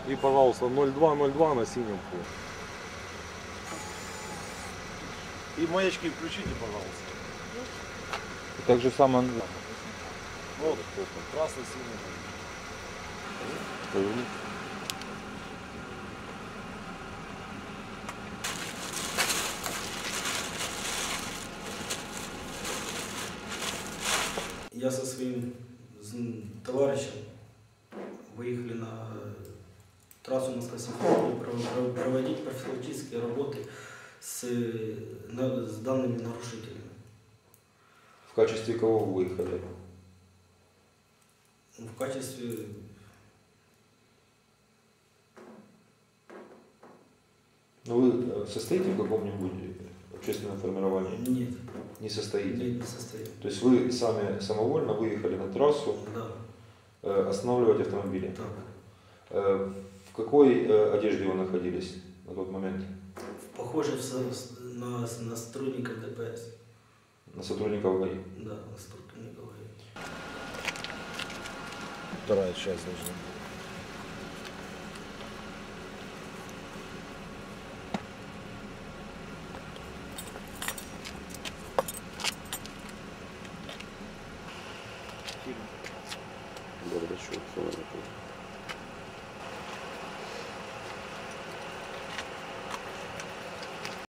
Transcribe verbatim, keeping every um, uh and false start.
И, пожалуйста, ноль два ноль два на синем фоне. И маячки включите, пожалуйста. И так же самое. Вот, красно-синий. Я со своим товарищем выехали на трассу Москва-Симферополь проводить профилактические работы с, с данными нарушителями. В качестве кого вы выехали? В качестве... Ну вы состоите в каком-нибудь общественном формировании? Нет. Не состоите? Нет, не состоит. То есть вы сами самовольно выехали на трассу, да. э, останавливать автомобили? Так. Э, в какой э, одежде вы находились на тот момент? Похоже на, на сотрудников ДПС. На сотрудников ГАИ? Да, на сотрудников ГАИ. Вторая часть должна быть. Горбачев, все